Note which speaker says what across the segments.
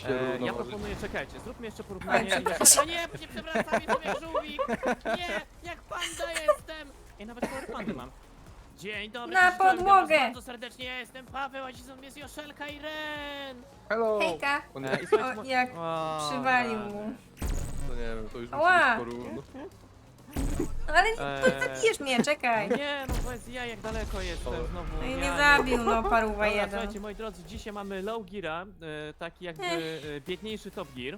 Speaker 1: Ja proponuję, czekajcie, zróbmy jeszcze porównanie. Nie, nie przewracam, jestem jak żółwik! Nie, jak panda jestem! Ej, nawet kolor pandy mam. Dzień dobry,
Speaker 2: Na
Speaker 1: cześć, witam was
Speaker 2: podłogę.
Speaker 1: bardzo serdecznie, ja jestem Paweł, a dziś są jest Joszelka i Ren!
Speaker 3: Hello!
Speaker 2: Hejka.
Speaker 1: I słuchajcie,
Speaker 2: O, jak
Speaker 1: O,
Speaker 2: przywalił
Speaker 1: rany.
Speaker 2: mu.
Speaker 3: To nie wiem, to już musi
Speaker 2: Ała.
Speaker 3: być porówno.
Speaker 2: Ale zabijesz mnie, czekaj.
Speaker 1: Nie, no powiedz ja jak daleko jestem znowu.
Speaker 2: No i
Speaker 1: ja
Speaker 2: mnie
Speaker 1: nie-
Speaker 2: zabił, no paruwa
Speaker 1: Dobra,
Speaker 2: jeden.
Speaker 1: słuchajcie, moi drodzy, dzisiaj mamy low geara, taki jakby biedniejszy top gear,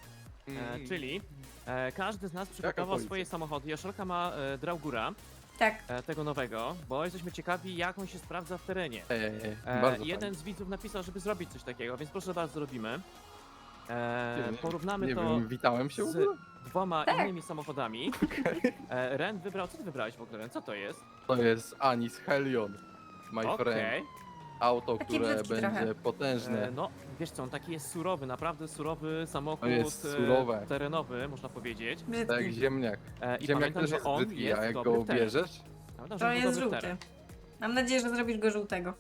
Speaker 1: czyli każdy z nas przygotował
Speaker 3: policja?
Speaker 1: swoje samochody. Joszelka ma Draugura,
Speaker 2: Tak.
Speaker 1: tego nowego, bo jesteśmy ciekawi jak on się sprawdza w terenie.
Speaker 3: Bardzo
Speaker 1: Jeden z widzów napisał, żeby zrobić coś takiego, więc proszę bardzo, zrobimy.
Speaker 3: fajnie.
Speaker 1: Porównamy
Speaker 3: Nie
Speaker 1: to
Speaker 3: wiem, witałem się w
Speaker 1: z
Speaker 3: ogóle?
Speaker 1: dwoma
Speaker 2: Tak.
Speaker 1: innymi samochodami. Ren wybrał, co ty wybrałeś w ogóle, Ren? Co to jest?
Speaker 3: To jest Anis Helion, my friend.
Speaker 1: Okej.
Speaker 3: Auto,
Speaker 2: Taki
Speaker 3: które
Speaker 2: brzydki
Speaker 3: będzie
Speaker 2: trochę.
Speaker 3: potężne.
Speaker 1: No, wiesz co, on taki jest surowy, naprawdę surowy samochód
Speaker 3: To jest surowe.
Speaker 1: terenowy, można powiedzieć.
Speaker 3: Tak,
Speaker 2: Brzydki.
Speaker 3: ziemniak.
Speaker 1: I
Speaker 3: Ziemniak
Speaker 1: pamiętam,
Speaker 3: też
Speaker 1: że
Speaker 3: jest
Speaker 1: on
Speaker 3: brzydki,
Speaker 1: jest
Speaker 3: a jak
Speaker 1: dobry
Speaker 3: go
Speaker 1: w teren.
Speaker 3: bierzesz,
Speaker 1: Pamiętam, że
Speaker 2: To
Speaker 1: on był
Speaker 2: jest
Speaker 1: dobry w
Speaker 2: żółty.
Speaker 1: teren.
Speaker 2: Mam nadzieję, że zrobisz go żółtego.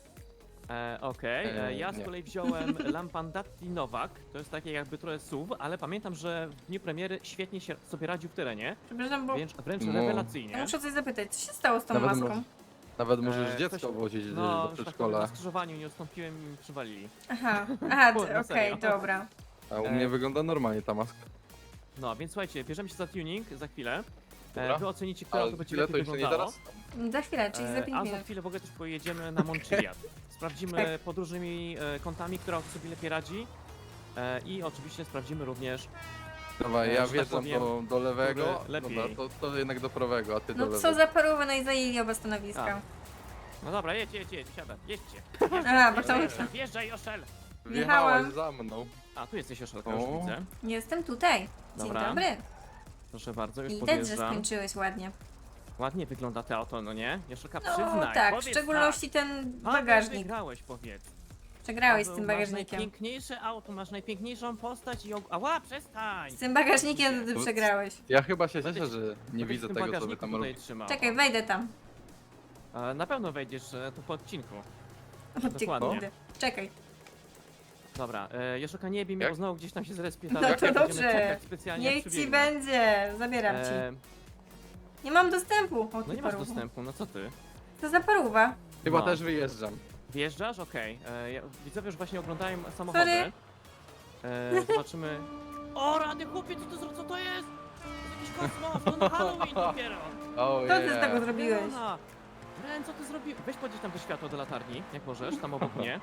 Speaker 1: Okej, ja z
Speaker 3: nie.
Speaker 1: kolei wziąłem Lampandatti Nowak, to jest takie jakby trochę SUV, ale pamiętam, że w dniu premiery świetnie się sobie radził w terenie,
Speaker 2: Przepraszam, bo
Speaker 1: wręcz
Speaker 3: No.
Speaker 2: ja
Speaker 1: rewelacyjnie.
Speaker 2: muszę coś zapytać. Co się stało z tą
Speaker 3: Nawet
Speaker 2: maską?
Speaker 3: nawet możesz
Speaker 1: Ktoś-
Speaker 3: dziecko wozić
Speaker 1: No,
Speaker 3: do
Speaker 1: że tak powiem,
Speaker 3: przedszkola.
Speaker 1: na skrzyżowaniu nie ustąpiłem i mi przywalili.
Speaker 2: Aha,
Speaker 1: Kurde,
Speaker 2: okej,
Speaker 1: serio.
Speaker 2: dobra.
Speaker 3: A u mnie wygląda normalnie ta maska.
Speaker 1: No, więc słuchajcie, bierzemy się za tuning za chwilę.
Speaker 3: Dobra.
Speaker 1: Wy ocenicie, które
Speaker 3: Ale
Speaker 1: to będzie
Speaker 3: chwilę to
Speaker 1: lepiej
Speaker 3: jeszcze nie
Speaker 1: wyglądało.
Speaker 3: teraz?
Speaker 2: Za chwilę, czyli za 5
Speaker 1: A za
Speaker 2: minut.
Speaker 1: chwilę w ogóle też pojedziemy na Montchiliad. Sprawdzimy
Speaker 2: Tak.
Speaker 1: pod różnymi kątami, która auto sobie lepiej radzi. I oczywiście sprawdzimy również.
Speaker 3: Dawaj,
Speaker 1: że
Speaker 3: ja
Speaker 1: tak
Speaker 3: wjeżdżam
Speaker 1: powiem,
Speaker 3: do lewego,
Speaker 1: który lepiej.
Speaker 3: dobra, to jednak do prawego, a ty do
Speaker 2: No
Speaker 3: lewego.
Speaker 2: co za paruwa, no i zajęli oba stanowiska.
Speaker 1: No dobra, jedź, siadaj, jedźcie.
Speaker 2: Aha, bo to...
Speaker 1: Wjeżdżaj, Joszel!
Speaker 3: Wjechałaś
Speaker 2: Jechałam.
Speaker 3: za mną.
Speaker 1: A, tu jesteś Joszelka, już
Speaker 3: O.
Speaker 1: widzę.
Speaker 2: Jestem tutaj. Dzień
Speaker 1: Dobra,
Speaker 2: dobry.
Speaker 1: Proszę bardzo, już
Speaker 2: Widać, że
Speaker 1: podjeżdżam.
Speaker 2: skończyłeś ładnie.
Speaker 1: Ładnie wygląda to auto, no nie? Joszelka,
Speaker 2: No
Speaker 1: przyznaj,
Speaker 2: tak, w
Speaker 1: powiedz
Speaker 2: szczególności ten
Speaker 1: tak. Paweł,
Speaker 2: bagażnik.
Speaker 1: Wygrałeś, powiedz.
Speaker 2: Przegrałeś z
Speaker 1: Paweł,
Speaker 2: tym
Speaker 1: masz
Speaker 2: bagażnikiem.
Speaker 1: najpiękniejsze auto, masz najpiękniejszą postać i... Ała, przestań!
Speaker 2: Z tym bagażnikiem ty przegrałeś.
Speaker 3: Ja chyba się
Speaker 1: Będę
Speaker 3: cieszę,
Speaker 1: ci-
Speaker 3: że nie
Speaker 1: Będę
Speaker 3: widzę
Speaker 1: w tym
Speaker 3: tego, co wy
Speaker 1: bagażniku
Speaker 3: tam
Speaker 1: tutaj
Speaker 3: robicie.
Speaker 1: trzymał.
Speaker 2: Czekaj, wejdę tam.
Speaker 1: Na pewno wejdziesz tu po odcinku.
Speaker 2: Dokładnie.
Speaker 1: Dokładnie.
Speaker 2: Czekaj.
Speaker 1: Dobra, Joszelka nie bij mnie,
Speaker 3: Jak?
Speaker 1: bo znowu gdzieś tam się zrespie
Speaker 2: No
Speaker 1: dalej.
Speaker 2: to
Speaker 1: Będziemy
Speaker 2: dobrze.
Speaker 1: czekać specjalnie, jak
Speaker 2: Niech ci
Speaker 1: przybiegnę.
Speaker 2: będzie. Zabieram ci. Nie mam dostępu. O,
Speaker 1: No
Speaker 2: ty
Speaker 1: nie masz
Speaker 2: paruwo.
Speaker 1: dostępu, no co ty?
Speaker 2: To za paruwa.
Speaker 3: Chyba
Speaker 1: No.
Speaker 3: też wyjeżdżam.
Speaker 1: Wjeżdżasz? Okej. Widzowie już właśnie oglądają samochody.
Speaker 2: Sorry.
Speaker 1: Zobaczymy. O, rany chłopie, co to jest? To jest jakiś kosmos, to na Halloween dopiero.
Speaker 3: Oh,
Speaker 2: Co ty z tego zrobiłeś?
Speaker 1: Wielona. Ren, co ty zrobiłeś? Weź podnieś tam to światło do latarni, jak możesz, tam obok mnie.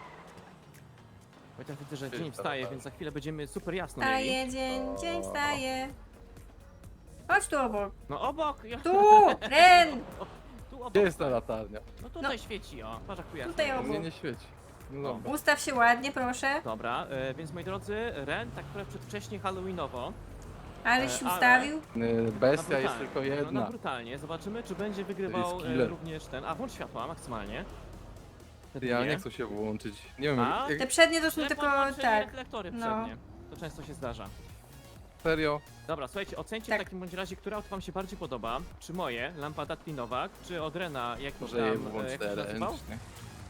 Speaker 1: Bo ja widzę, że dzień wstaje, więc za chwilę będziemy super jasno mieli.
Speaker 2: Wstaje dzień wstaje. Chodź tu obok.
Speaker 1: No obok!
Speaker 2: Tu! Ren!
Speaker 1: Tu obok.
Speaker 3: Gdzie jest ta latarnia?
Speaker 1: No tutaj świeci, o. Patrz jak tu jasno.
Speaker 2: Tutaj
Speaker 1: jest.
Speaker 2: obok.
Speaker 3: Mnie nie świeci. No dobra.
Speaker 2: Ustaw się ładnie, proszę.
Speaker 1: Dobra, więc moi drodzy, Ren tak trochę przedwcześnie halloweenowo.
Speaker 2: Aleś się
Speaker 1: ale-
Speaker 2: ustawił.
Speaker 3: Bestia jest
Speaker 1: brutalnie.
Speaker 3: tylko
Speaker 1: No,
Speaker 3: jedna.
Speaker 1: brutalnie. Zobaczymy, czy będzie wygrywał
Speaker 3: To jest killer.
Speaker 1: również ten. A, włącz światła maksymalnie. Te
Speaker 3: Ja
Speaker 1: dwie.
Speaker 3: nie chcę się włączyć. Nie wiem,
Speaker 1: A?
Speaker 3: jak,
Speaker 2: Te przednie to są
Speaker 1: Źle
Speaker 2: tylko
Speaker 1: podłączyli
Speaker 2: tak.
Speaker 1: reflektory
Speaker 2: No.
Speaker 1: przednie. To często się zdarza.
Speaker 3: serio.
Speaker 1: Dobra, słuchajcie, ocencie
Speaker 2: Tak.
Speaker 1: w takim bądź razie, które auto wam się bardziej podoba. Czy moje, Lampardatti Nowak, czy od Rena, jakiś
Speaker 3: Może
Speaker 1: tam,
Speaker 3: je włącz
Speaker 1: jak się nazywał?
Speaker 3: ręcznie.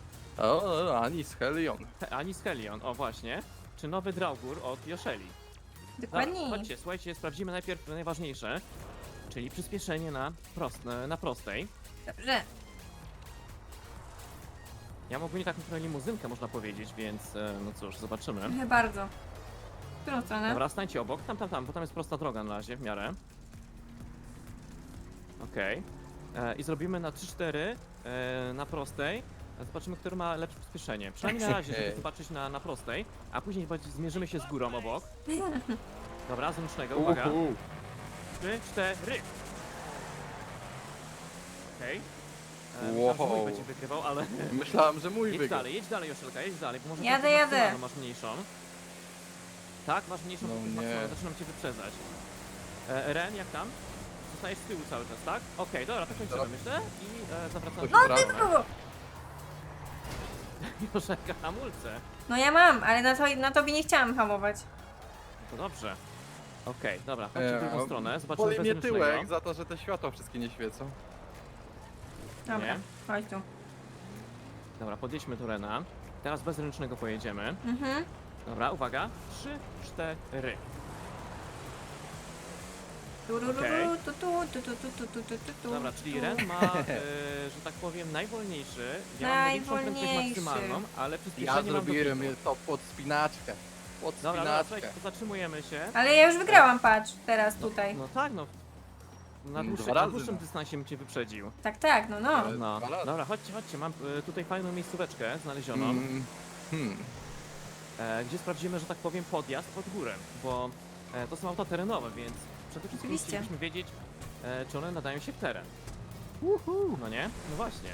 Speaker 3: O, Anis Helion.
Speaker 1: Anis Helion, o właśnie. Czy nowy Draugur od Joszeli.
Speaker 2: Dokładnie.
Speaker 1: Dobra, chodźcie, słuchajcie, sprawdzimy najpierw najważniejsze, czyli przyspieszenie na prostej.
Speaker 2: Dobrze.
Speaker 1: Ja mam ogólnie taką trochę limuzynkę, można powiedzieć, więc no cóż, zobaczymy.
Speaker 2: Trochę bardzo. W którą stronę?
Speaker 1: Dobra, stańcie obok, tam, bo tam jest prosta droga na razie, w miarę. Okej. I zrobimy na 3-4 na prostej. Zobaczymy, który ma lepsze przyspieszenie. Przynajmniej na razie, żeby
Speaker 3: Ej.
Speaker 1: zobaczyć na prostej, a później zmierzymy się z górą obok. Dobra, z ręcznego, uwaga. 3, 4. Okej. Myślałem, że mój
Speaker 3: Wow.
Speaker 1: będzie wygrywał, ale...
Speaker 3: Myślałem, że mój
Speaker 1: Jedź
Speaker 3: wygrał.
Speaker 1: dalej, Joszelka, jedź dalej, bo może
Speaker 2: Jadę,
Speaker 1: tą
Speaker 2: jadę.
Speaker 1: maksymalną masz mniejszą. Tak, masz mniejszą,
Speaker 3: No
Speaker 1: bo
Speaker 3: nie.
Speaker 1: maksymalną zaczynam cię wyprzedzać. Ren, jak tam? Zostajesz z tyłu cały czas, tak? Okej, dobra, to kończymy,
Speaker 3: Dobra.
Speaker 1: myślę. I zawracamy
Speaker 3: No,
Speaker 1: do
Speaker 3: ty
Speaker 1: stronę.
Speaker 2: Kogo?
Speaker 1: Joszelka, hamulce.
Speaker 2: No ja mam, ale na tobie nie chciałam hamować.
Speaker 1: To dobrze. Okej, dobra, chodźcie w drugą stronę, zobaczymy
Speaker 3: Boli mnie
Speaker 1: bezręcznego.
Speaker 3: tyłek za to, że te światła wszystkie nie świecą.
Speaker 2: Dobra,
Speaker 1: Nie?
Speaker 2: chodź tu.
Speaker 1: Dobra, podjedźmy do Rena. Teraz bezręcznego pojedziemy.
Speaker 2: Mhm.
Speaker 1: Dobra, uwaga. 3, 4.
Speaker 2: Turururu,
Speaker 1: Okej.
Speaker 2: tu, tu, tu, tu, tu, tu, tu, tu, tu, tu,
Speaker 1: Dobra, czyli
Speaker 2: tu.
Speaker 1: Ren ma, że tak powiem, najwolniejszy. Ja mam największą prędkość
Speaker 2: Najwolniejszy.
Speaker 1: maksymalną, ale
Speaker 3: Ja
Speaker 1: przyspieszenie mam
Speaker 3: zrobiłem
Speaker 1: dobiegu.
Speaker 3: to pod spinaczkę. Pod
Speaker 1: Dobra, dobra,
Speaker 3: spinaczkę.
Speaker 1: słuchajcie, to zatrzymujemy się.
Speaker 2: Ale ja już wygrałam, patrz, teraz tutaj.
Speaker 1: No tak, no. Na
Speaker 3: Dwa
Speaker 1: dłuższym,
Speaker 3: razy,
Speaker 1: na dłuższym
Speaker 3: no.
Speaker 1: dystansie bym cię wyprzedził.
Speaker 2: Tak, no, no.
Speaker 3: Ale-
Speaker 1: No,
Speaker 3: dwa razy.
Speaker 1: dobra, chodźcie, chodźcie. Mam tutaj fajną miejscóweczkę znalezioną,
Speaker 3: Hmm.
Speaker 1: gdzie sprawdzimy, że tak powiem, podjazd pod górę, bo to są auta terenowe, więc przede wszystkim
Speaker 2: Oczywiście.
Speaker 1: chcielibyśmy wiedzieć, czy one nadają się w teren. No nie? No właśnie.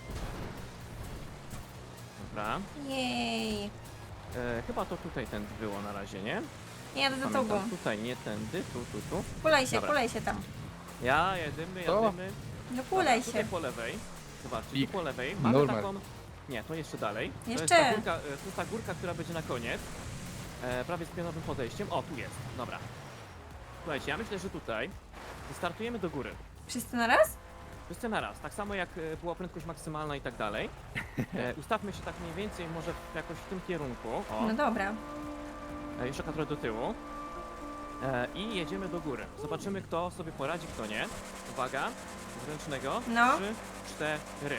Speaker 1: Dobra.
Speaker 2: Jej.
Speaker 1: Chyba to tutaj tędy było na razie, nie?
Speaker 2: Nie jadę za
Speaker 1: Pamiętam,
Speaker 2: tobą.
Speaker 1: tutaj nie tędy, tu.
Speaker 2: Kulej się tam.
Speaker 1: Ja jedymy.
Speaker 2: No kulej
Speaker 1: Dobra, tutaj
Speaker 2: się.
Speaker 1: po lewej. Zobaczcie,
Speaker 3: Pik.
Speaker 1: tu po lewej mamy
Speaker 3: Normal.
Speaker 1: taką... Nie, to jeszcze dalej.
Speaker 2: Jeszcze.
Speaker 1: To jest ta górka, która będzie na koniec. Prawie z pionowym podejściem. O, tu jest. Dobra. Słuchajcie, ja myślę, że tutaj startujemy do góry.
Speaker 2: Wszyscy na raz?
Speaker 1: Wszyscy na raz. Tak samo jak była prędkość maksymalna i tak dalej. Ustawmy się tak mniej więcej może jakoś w tym kierunku. O,
Speaker 2: No dobra.
Speaker 1: jeszcze trochę do tyłu. I jedziemy do góry. Zobaczymy, kto sobie poradzi, kto nie. Uwaga, z ręcznego.
Speaker 2: No.
Speaker 1: 3, 4.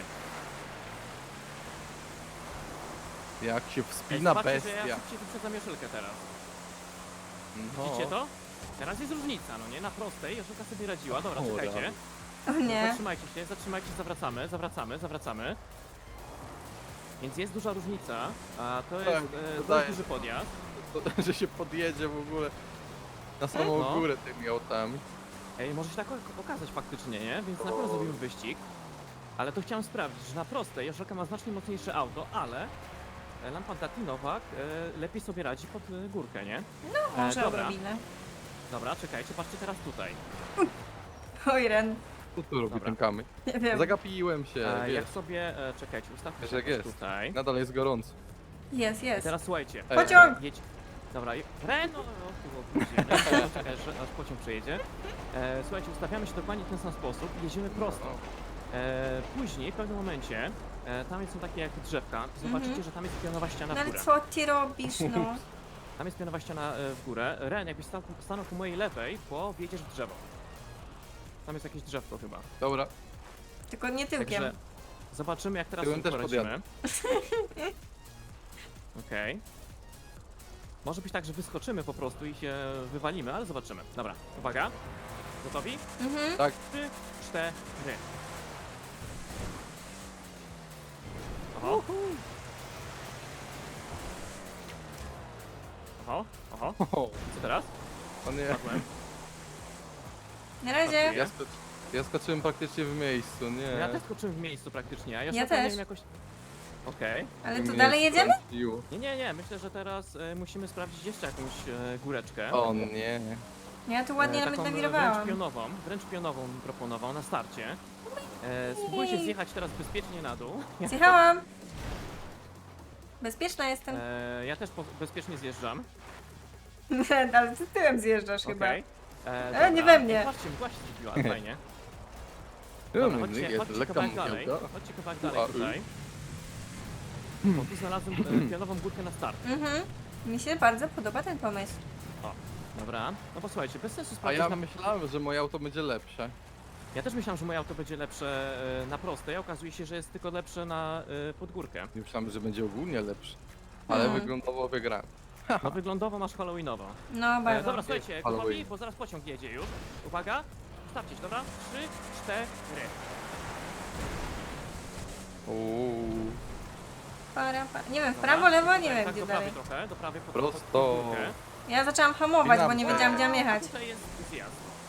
Speaker 3: Jak się wspina
Speaker 1: Zobaczcie, że ja
Speaker 3: bestia.
Speaker 1: szybciej wyprzedzam Joszelkę teraz.
Speaker 3: No.
Speaker 1: Widzicie to? Teraz jest różnica, no nie? Na prostej Joszelka sobie radziła. Dobra,
Speaker 3: O,
Speaker 1: czekajcie.
Speaker 3: rany.
Speaker 2: O nie.
Speaker 1: Zatrzymajcie, zawracamy. Więc jest duża różnica, a to jest
Speaker 3: Tak,
Speaker 1: dość
Speaker 3: wydaje
Speaker 1: duży podjazd.
Speaker 3: To, że się podjedzie w ogóle na samą
Speaker 1: No.
Speaker 3: górę tymi autami.
Speaker 1: Ej, może się tak okazać faktycznie, nie? Więc na pewno zrobimy wyścig. Ale to chciałem sprawdzić, że na prostej Joszelka ma znacznie mocniejsze auto, ale Lampa Datinowa lepiej sobie radzi pod górkę, nie?
Speaker 2: Może
Speaker 1: dobra,
Speaker 2: odrobinę.
Speaker 1: dobra, czekajcie, patrzcie teraz tutaj.
Speaker 2: Oj, Ren.
Speaker 3: Co tu robi
Speaker 1: Dobra.
Speaker 3: ten kamień?
Speaker 2: Nie wiem.
Speaker 3: Zagapiłem się,
Speaker 1: Jak
Speaker 3: wiesz.
Speaker 1: sobie, czekajcie, ustawmy
Speaker 3: Wiesz
Speaker 1: się
Speaker 3: jak
Speaker 1: jakoś
Speaker 3: jest.
Speaker 1: tutaj.
Speaker 3: Nadal jest gorąco.
Speaker 2: Jest,
Speaker 1: I
Speaker 2: jest.
Speaker 1: teraz słuchajcie.
Speaker 2: Pociąg!
Speaker 1: Jedź. Dobra, Ren, no, tu było później, czekaj, aż pociąg przejedzie. Słuchajcie, ustawiamy się dokładnie w ten sam sposób i jedziemy prosto. Później, w pewnym momencie, tam są takie jak drzewka, zobaczycie, że tam jest pionowa ściana
Speaker 2: No
Speaker 1: w
Speaker 2: ale
Speaker 1: górę.
Speaker 2: co ty robisz, no?
Speaker 1: Tam jest pionowa ściana w górę. Ren, jakbyś stanął po mojej lewej, bo wjedziesz w drzewo. Tam jest jakieś drzewko chyba.
Speaker 3: Dobra,
Speaker 2: Tylko nie tyłkiem.
Speaker 1: Także zobaczymy, jak teraz
Speaker 3: Tyłem
Speaker 1: sobie
Speaker 3: też
Speaker 1: poradzimy. Okej. Może być tak, że wyskoczymy po prostu i się wywalimy, ale zobaczymy. Dobra, uwaga. Gotowi?
Speaker 2: Mhm.
Speaker 3: tak.
Speaker 1: 3, 4. Oho. Oho.
Speaker 3: O,
Speaker 1: Co teraz?
Speaker 3: o nie.
Speaker 1: Padłem.
Speaker 2: Na razie.
Speaker 3: Ja, ja skoczyłem praktycznie w miejscu, nie.
Speaker 1: Ja też skoczyłem w miejscu praktycznie, a ja,
Speaker 2: Ja
Speaker 1: nie
Speaker 2: też.
Speaker 1: wiem jakoś... Okej.
Speaker 2: Ale
Speaker 3: Mnie
Speaker 2: to dalej jedziemy?
Speaker 3: strąciło.
Speaker 1: Nie, myślę, że teraz musimy sprawdzić jeszcze jakąś góreczkę.
Speaker 3: O nie.
Speaker 2: Ja tu ładnie nawet
Speaker 1: taką
Speaker 2: nawirowałam.
Speaker 1: wręcz pionową bym proponował na starcie. Spróbujcie zjechać teraz bezpiecznie na dół.
Speaker 2: Zjechałam. Bezpieczna jestem.
Speaker 1: Ja też bezpiecznie zjeżdżam.
Speaker 2: Ale ty tyłem zjeżdżasz chyba.
Speaker 1: Okej.
Speaker 2: nie
Speaker 1: dobra.
Speaker 2: we mnie.
Speaker 1: Patrzcie, właśnie zrobiła, fajnie. Dobra, chodźcie
Speaker 3: Jest lekka
Speaker 1: kawałek dalej.
Speaker 3: mgiełka.
Speaker 1: Chodźcie kawałek dalej tutaj. Bo tu znalazłem pionową górkę na start.
Speaker 2: Mhm. Mi się bardzo podoba ten pomysł.
Speaker 1: Dobra. No posłuchajcie, bez sensu
Speaker 3: A
Speaker 1: sprawdzić
Speaker 3: ja
Speaker 1: na...
Speaker 3: myślałem, że moje auto będzie lepsze.
Speaker 1: Ja też myślałem, że moje auto będzie lepsze na prostej, a okazuje się, że jest tylko lepsze na podgórkę.
Speaker 3: Myślałem, że będzie ogólnie lepsze. Ale
Speaker 2: Mhm.
Speaker 3: wyglądowo wygrałem.
Speaker 1: No wyglądowo masz halloweenową.
Speaker 2: No bardzo.
Speaker 1: Dobra, słuchajcie,
Speaker 3: Halloween.
Speaker 1: gotowi, bo zaraz pociąg jedzie już. Uwaga, stawcie się, dobra? 3, 4.
Speaker 3: Uuu.
Speaker 2: Nie wiem, w prawo, lewo, nie wiem
Speaker 1: tak,
Speaker 2: gdzie
Speaker 1: do
Speaker 2: dalej.
Speaker 1: prawej trochę, do prawej pod
Speaker 3: Prosto.
Speaker 1: górkę.
Speaker 2: Ja zaczęłam hamować, bo nie
Speaker 3: Dynamo.
Speaker 2: wiedziałam gdzie mam jechać.
Speaker 1: Tutaj jest zjazd.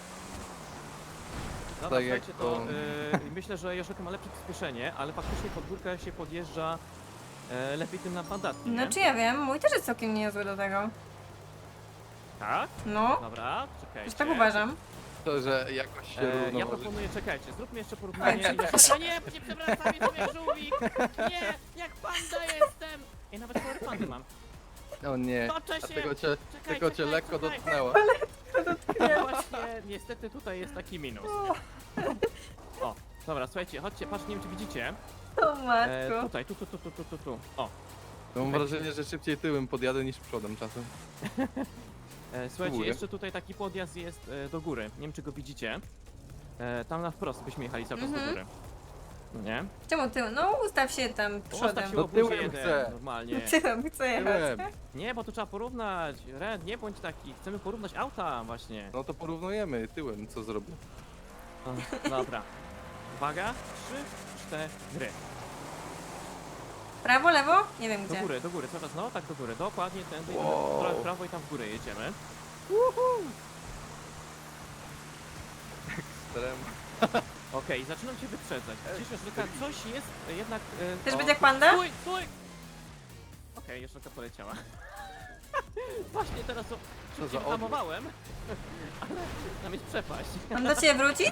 Speaker 1: Dobra,
Speaker 3: Tak jak
Speaker 1: słuchajcie, to
Speaker 3: to-
Speaker 1: myślę, że Joszelka ma lepsze przyspieszenie, ale faktycznie pod górkę się podjeżdża lepiej tym napadatnie,
Speaker 2: No czy ja wiem, mój też jest całkiem niezły do tego.
Speaker 1: Tak?
Speaker 2: No,
Speaker 1: Dobra, czekajcie.
Speaker 2: też tak uważam.
Speaker 3: To, że jakoś się
Speaker 1: Ja
Speaker 3: równoważy.
Speaker 1: proponuję, czekajcie, zróbmy jeszcze porównanie. A nie, bo nie przewracam, jestem jak żółwik! Nie, jak panda jestem! Ej, nawet kolor pandy mam.
Speaker 3: O nie.
Speaker 1: Toczę
Speaker 3: A
Speaker 1: się!
Speaker 3: tego cię
Speaker 1: Czekaj,
Speaker 3: tylko cię
Speaker 1: czekaj,
Speaker 3: lekko
Speaker 1: czekaj.
Speaker 3: dotknęła.
Speaker 1: No właśnie, niestety tutaj jest taki minus. O, dobra, słuchajcie, chodźcie, patrz, nie wiem czy widzicie.
Speaker 2: O matko.
Speaker 1: Tutaj, tu. O.
Speaker 3: Mam wrażenie, że szybciej tyłem podjadę niż przodem czasem.
Speaker 1: Słuchajcie,
Speaker 3: Spróbuję.
Speaker 1: jeszcze tutaj taki podjazd jest do góry. Nie wiem, czy go widzicie. Tam na wprost byśmy jechali cały czas do góry. No nie?
Speaker 2: Czemu ty? No ustaw się tam
Speaker 1: Postaw
Speaker 2: przodem.
Speaker 1: się
Speaker 3: No
Speaker 1: obróć
Speaker 3: tyłem
Speaker 1: jeden,
Speaker 3: chcę.
Speaker 1: normalnie.
Speaker 2: Tyłem chcę jechać.
Speaker 3: Tyłem.
Speaker 1: Nie, bo to trzeba porównać. Red, nie bądź taki. Chcemy porównać auta właśnie.
Speaker 3: No to porównujemy tyłem, co zrobię.
Speaker 1: Dobra. Uwaga. 3, 4.
Speaker 2: Prawo, lewo? Nie wiem
Speaker 1: Do
Speaker 2: gdzie.
Speaker 1: góry, cały czas, no tak do góry. Dokładnie tędy,
Speaker 3: Wow.
Speaker 1: trochę w prawo i tam w górę jedziemy.
Speaker 3: Starem.
Speaker 1: Okej, zaczynam cię wyprzedzać. Cieszę się, że coś jest jednak...
Speaker 2: Też
Speaker 1: o,
Speaker 2: będzie jak panda?
Speaker 1: Stój, stój! Okej, jeszcze poleciała. Właśnie teraz to
Speaker 3: Co
Speaker 1: szybciej
Speaker 3: za
Speaker 1: wyhamowałem, ale tam jest przepaść.
Speaker 2: Mam do ciebie wrócić?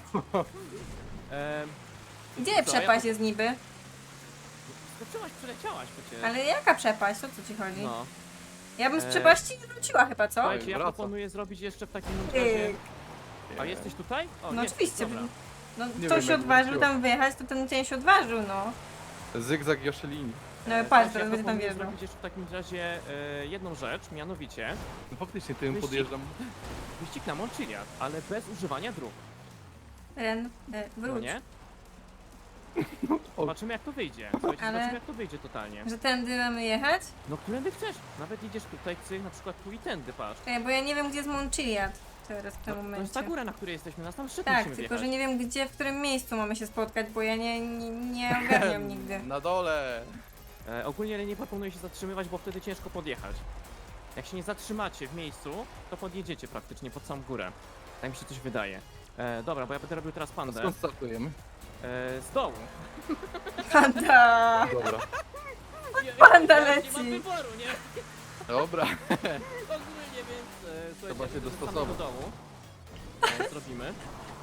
Speaker 2: Gdzie
Speaker 1: Co,
Speaker 2: przepaść
Speaker 1: ja-
Speaker 2: jest niby?
Speaker 1: Skoczyłaś, przeleciałaś przecież.
Speaker 2: Ale jaka przepaść? O co ci chodzi?
Speaker 1: No.
Speaker 2: Ja bym z przepaści wróciła chyba, co?
Speaker 1: Słuchajcie, ja
Speaker 3: wraca.
Speaker 1: proponuję zrobić jeszcze w takim razie...
Speaker 2: Tyk.
Speaker 1: A jesteś tutaj? O,
Speaker 2: No
Speaker 1: jest,
Speaker 2: oczywiście.
Speaker 1: Dobra.
Speaker 2: No
Speaker 3: Nie
Speaker 2: ktoś
Speaker 3: wiem,
Speaker 2: się
Speaker 3: jak
Speaker 2: odważył
Speaker 3: wróciła.
Speaker 2: tam wyjechać, to ten cień się odważył, no.
Speaker 3: Zygzak Joszelini.
Speaker 2: No
Speaker 1: Słuchajcie,
Speaker 2: patrz,
Speaker 1: ja
Speaker 2: teraz będzie tam
Speaker 1: proponuję
Speaker 2: wjeżdżał.
Speaker 1: zrobić jeszcze w takim razie jedną rzecz, mianowicie
Speaker 3: No faktycznie tyłem
Speaker 1: Wyścig.
Speaker 3: podjeżdżam.
Speaker 1: wyścig na Montchiliad, ale bez używania dróg,
Speaker 2: Ren,
Speaker 1: no
Speaker 2: wróć.
Speaker 1: nie? Zobaczymy jak to wyjdzie. Słuchajcie,
Speaker 2: Ale-
Speaker 1: zobaczymy jak to wyjdzie totalnie.
Speaker 2: Że tędy mamy jechać?
Speaker 1: No którędy chcesz? Nawet idziesz tutaj, cyk, na przykład tu i tędy, patrz.
Speaker 2: Czekaj, bo ja nie wiem, gdzie jest Montchiliad teraz w tym
Speaker 1: To jest
Speaker 2: momencie.
Speaker 1: ta góra, na której jesteśmy, nas tam szybko
Speaker 2: Tak,
Speaker 1: musimy
Speaker 2: tylko
Speaker 1: wjechać.
Speaker 2: że nie wiem, gdzie, w którym miejscu mamy się spotkać, bo ja nie ogarniam nigdy.
Speaker 3: Na dole.
Speaker 1: Ogólnie nie proponuję się zatrzymywać, bo wtedy ciężko podjechać. Jak się nie zatrzymacie w miejscu, to podjedziecie praktycznie pod samą górę. Tak mi się coś wydaje. Dobra, bo ja będę robił teraz
Speaker 3: A
Speaker 1: pandę.
Speaker 3: skąd startujemy?
Speaker 1: Z dołu.
Speaker 2: Panda!
Speaker 3: Dobra.
Speaker 2: Panda
Speaker 1: Ja
Speaker 2: leci.
Speaker 1: nie mam wyboru, nie?
Speaker 3: Dobra.
Speaker 1: Ogólnie, więc słuchajcie,
Speaker 3: Trzeba się
Speaker 1: wrócimy
Speaker 3: dostosować.
Speaker 1: do dołu. Zrobimy.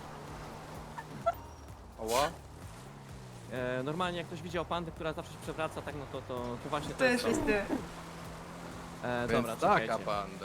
Speaker 3: Ała.
Speaker 1: Normalnie jak ktoś widział pandę, która zawsze się przewraca, tak no to właśnie
Speaker 2: To
Speaker 1: jest
Speaker 2: jesteś ty.
Speaker 1: Dobra,
Speaker 3: Więc taka
Speaker 1: czekajcie.
Speaker 3: panda.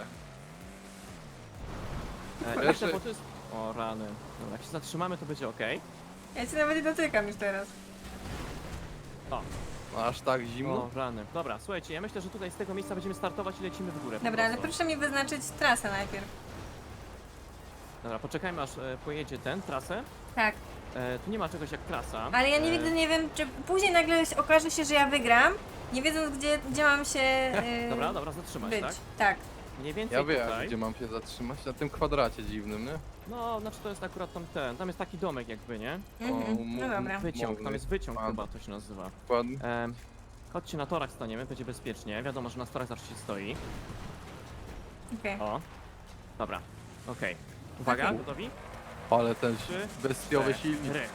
Speaker 1: Jeszcze,
Speaker 3: Jeszcze-
Speaker 1: bo to jest... O rany. Dobra, jak się zatrzymamy, to będzie ok.
Speaker 2: Ja cię nawet nie dotykam już teraz.
Speaker 1: O,
Speaker 3: No, aż tak zimno?
Speaker 1: o rany. Dobra, słuchajcie, ja myślę, że tutaj z tego miejsca będziemy startować i lecimy w górę. po
Speaker 2: Dobra, ale
Speaker 1: prostu.
Speaker 2: proszę mi wyznaczyć trasę najpierw.
Speaker 1: Dobra, poczekajmy aż pojedzie ten, trasę.
Speaker 2: Tak,
Speaker 1: Tu nie ma czegoś jak trasa.
Speaker 2: ale ja nigdy nie wiem, czy później nagle okaże się, że ja wygram, nie wiedząc gdzie mam się
Speaker 1: Dobra, zatrzymać,
Speaker 2: być.
Speaker 1: tak?
Speaker 2: Tak.
Speaker 1: Mniej więcej
Speaker 3: Ja wiem,
Speaker 1: tutaj.
Speaker 3: gdzie mam się zatrzymać. Na tym kwadracie dziwnym, nie?
Speaker 1: No, znaczy to jest akurat tam jest taki domek jakby, nie?
Speaker 2: Mhm. No dobra.
Speaker 1: Wyciąg, tam jest wyciąg
Speaker 3: Pan.
Speaker 1: chyba to się nazywa.
Speaker 3: Dokładnie.
Speaker 1: Chodźcie na torach staniemy, będzie bezpiecznie. Wiadomo, że na torach zawsze się stoi.
Speaker 2: Okej.
Speaker 1: O. Dobra, okej. Uwaga,
Speaker 2: Okej.
Speaker 1: gotowi?
Speaker 3: Ale ten
Speaker 1: Trzy,
Speaker 3: bestiowy silnik.
Speaker 1: 4.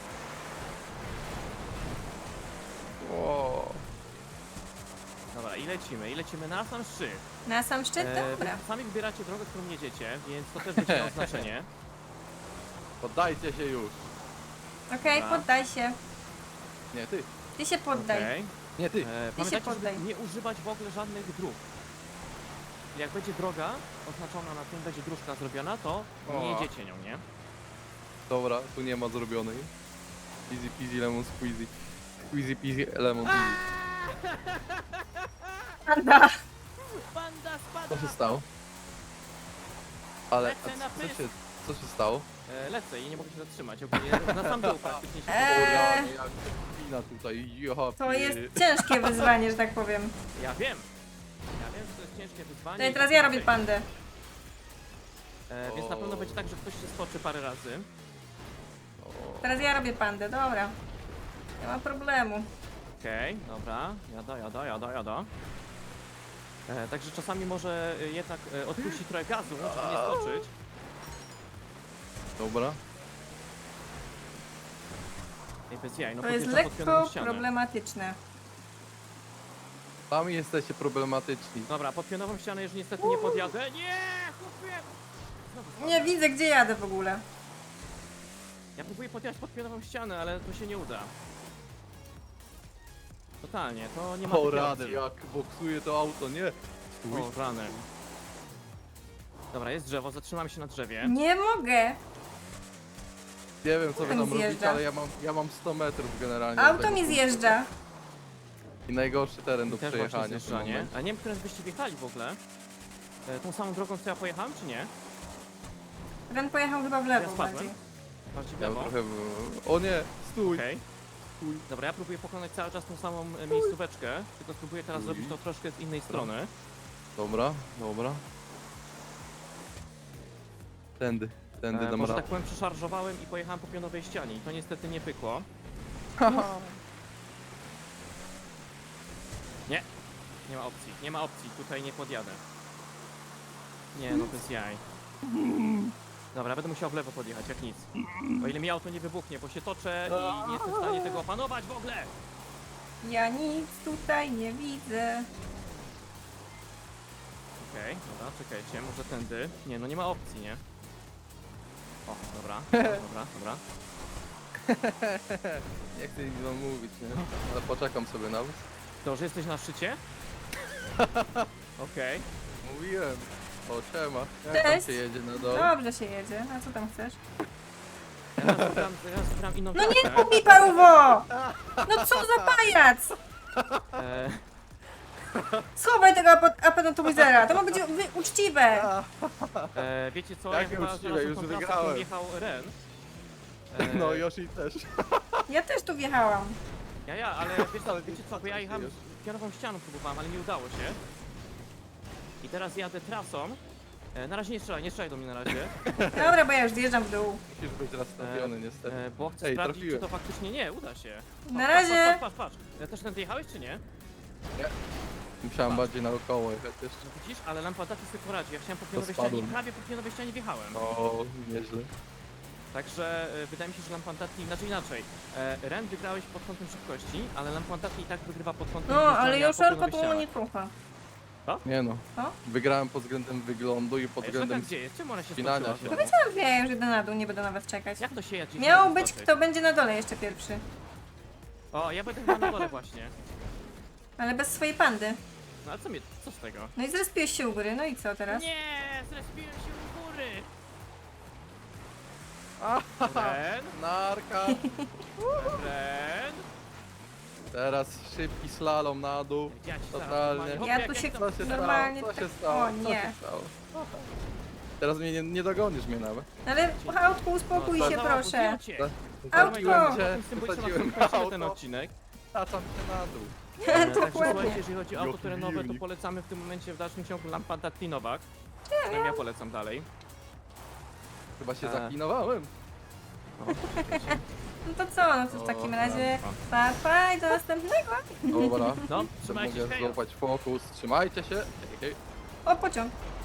Speaker 3: O.
Speaker 1: Dobra, i lecimy na sam szczyt.
Speaker 2: Na sam szczyt? Dobra.
Speaker 1: Wy sami wybieracie drogę, którą jedziecie, więc to też będzie miało znaczenie.
Speaker 3: Poddajcie się już.
Speaker 2: Okej,
Speaker 1: Dobra.
Speaker 2: poddaj się.
Speaker 3: Nie, ty.
Speaker 2: Ty się poddaj.
Speaker 1: Okej.
Speaker 3: Nie, ty.
Speaker 1: Pamiętajcie,
Speaker 2: poddaj.
Speaker 1: żeby nie używać w ogóle żadnych dróg. Jak będzie droga oznaczona na tym, będzie dróżka zrobiona, to nie
Speaker 3: O.
Speaker 1: jedziecie nią, nie?
Speaker 3: Dobra, tu nie ma zrobionej. Easy peasy lemon squeezy. Squeezy peasy lemon easy.
Speaker 2: Panda!
Speaker 1: Banda spada!
Speaker 3: Co się stało? Ale
Speaker 1: Lecę na pysk.
Speaker 3: co się stało?
Speaker 1: Lecę i nie mogę się zatrzymać. Ogólnie na sam dół praktycznie się
Speaker 2: Eee.
Speaker 3: Jak wina tutaj, ja
Speaker 2: To jest ciężkie wyzwanie, że tak powiem.
Speaker 1: Ja wiem, że to jest ciężkie wyzwanie.
Speaker 2: No i
Speaker 1: i
Speaker 2: teraz
Speaker 1: tak
Speaker 2: ja
Speaker 1: dalej.
Speaker 2: robię pandę.
Speaker 1: Więc na pewno będzie tak, że ktoś się spoczy parę razy.
Speaker 2: Teraz ja robię pandę, dobra. Nie ma problemu.
Speaker 1: Okej, dobra, jada. Także czasami może jednak odpuścić trochę gazu, żeby nie skoczyć.
Speaker 3: Dobra.
Speaker 1: Ej, bez jaj, no
Speaker 2: To jest
Speaker 1: podjeżdżam pod pionowo
Speaker 2: lekko
Speaker 1: ścianę.
Speaker 2: problematyczne.
Speaker 3: Sami jesteście problematyczni.
Speaker 1: Dobra, pod pionową ścianę już niestety nie podjadę. Nie, chłopie! Znowu
Speaker 2: Nie widzę, gdzie jadę w ogóle.
Speaker 1: Ja próbuję podjechać pod pionową ścianę, ale to się nie uda. Totalnie, to nie ma
Speaker 3: O
Speaker 1: takiej
Speaker 3: rady,
Speaker 1: opcji.
Speaker 3: jak boksuje to auto, nie? Stój.
Speaker 1: O rany. Dobra, jest drzewo, zatrzymamy się na drzewie.
Speaker 2: Nie mogę.
Speaker 3: Nie wiem co wy
Speaker 2: Auto
Speaker 3: tam
Speaker 2: mi
Speaker 3: robicie,
Speaker 2: zjeżdża.
Speaker 3: ale ja mam 100 metrów generalnie. do
Speaker 2: Auto
Speaker 3: tego
Speaker 2: mi
Speaker 3: punktu.
Speaker 2: zjeżdża.
Speaker 3: I najgorszy teren do
Speaker 1: I też właśnie
Speaker 3: przejechania. w tym
Speaker 1: zjeżdżanie.
Speaker 3: momencie.
Speaker 1: A nie wiem, którędy byście wjechali w ogóle. Tą samą drogą, co ja pojechałem, czy nie?
Speaker 2: Ren pojechał chyba w
Speaker 1: Ja
Speaker 2: lewo
Speaker 1: spadłem.
Speaker 2: bardziej.
Speaker 1: Bardziej w
Speaker 3: Ja
Speaker 1: lewo.
Speaker 3: trochę... O nie, stój!
Speaker 1: Okej.
Speaker 3: Stój.
Speaker 1: Dobra, ja próbuję pokonać cały czas tą samą miejscóweczkę, tylko spróbuję teraz
Speaker 3: Stój.
Speaker 1: zrobić to troszkę z innej strony.
Speaker 3: Dobra, dobra. Tędy dam
Speaker 1: Może tak
Speaker 3: radę.
Speaker 1: powiem, przeszarżowałem i pojechałem po pionowej ścianie i to niestety nie pykło. Nie ma opcji, tutaj nie podjadę. Nie, no bez jaj. Dobra, będę musiał w lewo podjechać, jak nic. O ile mi auto nie wybuchnie, bo się toczę i nie jestem w stanie tego opanować w ogóle!
Speaker 2: Ja nic tutaj nie widzę.
Speaker 1: Okej, dobra, czekajcie, może tędy. Nie, no nie ma opcji, nie? O, dobra, dobra.
Speaker 3: Nie chcę nic wam mówić, nie? Ale poczekam sobie na was.
Speaker 1: To, że jesteś na szczycie? Okej.
Speaker 3: Mówiłem. O, siema. Jak tam
Speaker 2: Cześć.
Speaker 3: się jedzie na dole?
Speaker 2: Dobrze się jedzie. A co tam chcesz?
Speaker 1: Teraz wybrałem inną
Speaker 2: No nie
Speaker 1: trasę.
Speaker 2: kup mi paruwo! No co za pajac!
Speaker 1: E,
Speaker 2: Schowaj tego apatowizera, to ma być uczciwe!
Speaker 1: wiecie co,
Speaker 3: Jakie
Speaker 1: chyba
Speaker 3: uczciwe,
Speaker 1: znalazłem
Speaker 3: już
Speaker 1: tą trasę,
Speaker 3: wygrałem.
Speaker 1: którą wjechał Ren.
Speaker 3: No, Yoshi też.
Speaker 2: Ja też tu wjechałam.
Speaker 1: Ale wiecie co, bo ja jechałem kierową ścianą próbowałem, ale nie udało się. I teraz jadę trasą. Na razie nie strzelaj do mnie na razie.
Speaker 2: Dobra, bo ja już zjeżdżam w dół.
Speaker 3: Musisz być rozstawiony niestety.
Speaker 1: Bo chcę
Speaker 3: Ej,
Speaker 1: sprawdzić,
Speaker 3: trafiłem.
Speaker 1: czy to faktycznie nie, uda się.
Speaker 2: Na razie.
Speaker 1: Patrz. Też tędy jechałeś, czy nie?
Speaker 3: Musiałem bardziej naokoło jechać jeszcze.
Speaker 1: Widzisz, ale lampa taki sobie poradzi. Ja chciałem po pionowej
Speaker 3: spadłem.
Speaker 1: ścianie i prawie po pionowej ścianie wjechałem.
Speaker 3: O, nieźle.
Speaker 1: Także wydaje mi się, że Lampantati, znaczy inaczej. Ren wygrałeś pod kątem szybkości, ale Lampantati i tak wygrywa pod kątem
Speaker 2: No, ale
Speaker 1: wjeżdżania po
Speaker 2: Joszelko
Speaker 1: pionowej
Speaker 2: tu
Speaker 1: ścianie.
Speaker 2: nie trucha.
Speaker 3: Nie no.
Speaker 2: Co?
Speaker 3: Wygrałem pod względem wyglądu i pod
Speaker 1: Ej,
Speaker 3: względem...
Speaker 1: Joszelka, gdzie jest? Czemu ona się
Speaker 3: spinania
Speaker 1: skoczyła
Speaker 3: się.
Speaker 1: znowu?
Speaker 2: Powiedziałam, że ja już idę na dół, nie będę na was czekać.
Speaker 1: Jak to się jedzie?
Speaker 2: Miał być kto będzie na dole jeszcze pierwszy.
Speaker 1: O, ja będę chyba na dole właśnie.
Speaker 2: Ale bez swojej pandy.
Speaker 1: No ale co z tego?
Speaker 2: No i zrespiłeś się u góry, no i co teraz?
Speaker 1: Nie, zrespiłem się u góry. Ren,
Speaker 3: Narka!
Speaker 1: Ren.
Speaker 3: Teraz szybki slalom na dół.
Speaker 1: Ja ci zaraz
Speaker 3: Totalnie.
Speaker 1: normalnie-
Speaker 2: Ja
Speaker 1: Hopie,
Speaker 2: tu
Speaker 1: jak
Speaker 2: się
Speaker 1: to-
Speaker 3: Co się
Speaker 2: Normalnie
Speaker 3: stało? Co się
Speaker 2: tak-
Speaker 3: stało?
Speaker 2: o
Speaker 3: Co
Speaker 2: nie.
Speaker 3: się stało? Teraz mnie nie dogonisz mnie nawet.
Speaker 2: Ale autku, uspokój
Speaker 1: No,
Speaker 2: się
Speaker 1: za-
Speaker 2: proszę.
Speaker 1: cię.
Speaker 2: Autko!
Speaker 3: Zasadziłem cię,
Speaker 1: Z tym
Speaker 3: wysadziłem
Speaker 1: ten
Speaker 3: auto,
Speaker 1: odcinek.
Speaker 3: taczam cię na dół.
Speaker 1: Także
Speaker 2: Dokładnie.
Speaker 1: słuchajcie, jeżeli chodzi o auto
Speaker 3: Jaki
Speaker 1: terenowe, to
Speaker 3: wilnik.
Speaker 1: polecamy w tym momencie w dalszym ciągu Lampantati Nowak. Przynajmniej ja polecam dalej.
Speaker 3: Chyba się
Speaker 1: A.
Speaker 3: zaklinowałem.
Speaker 2: No to co, no to w takim razie pa i do następnego.
Speaker 1: No,
Speaker 3: Dobra.
Speaker 1: trzymajcie
Speaker 3: Mogę
Speaker 1: się.
Speaker 3: złapać fokus. Trzymajcie się. Hej, hej.
Speaker 2: O, pociąg.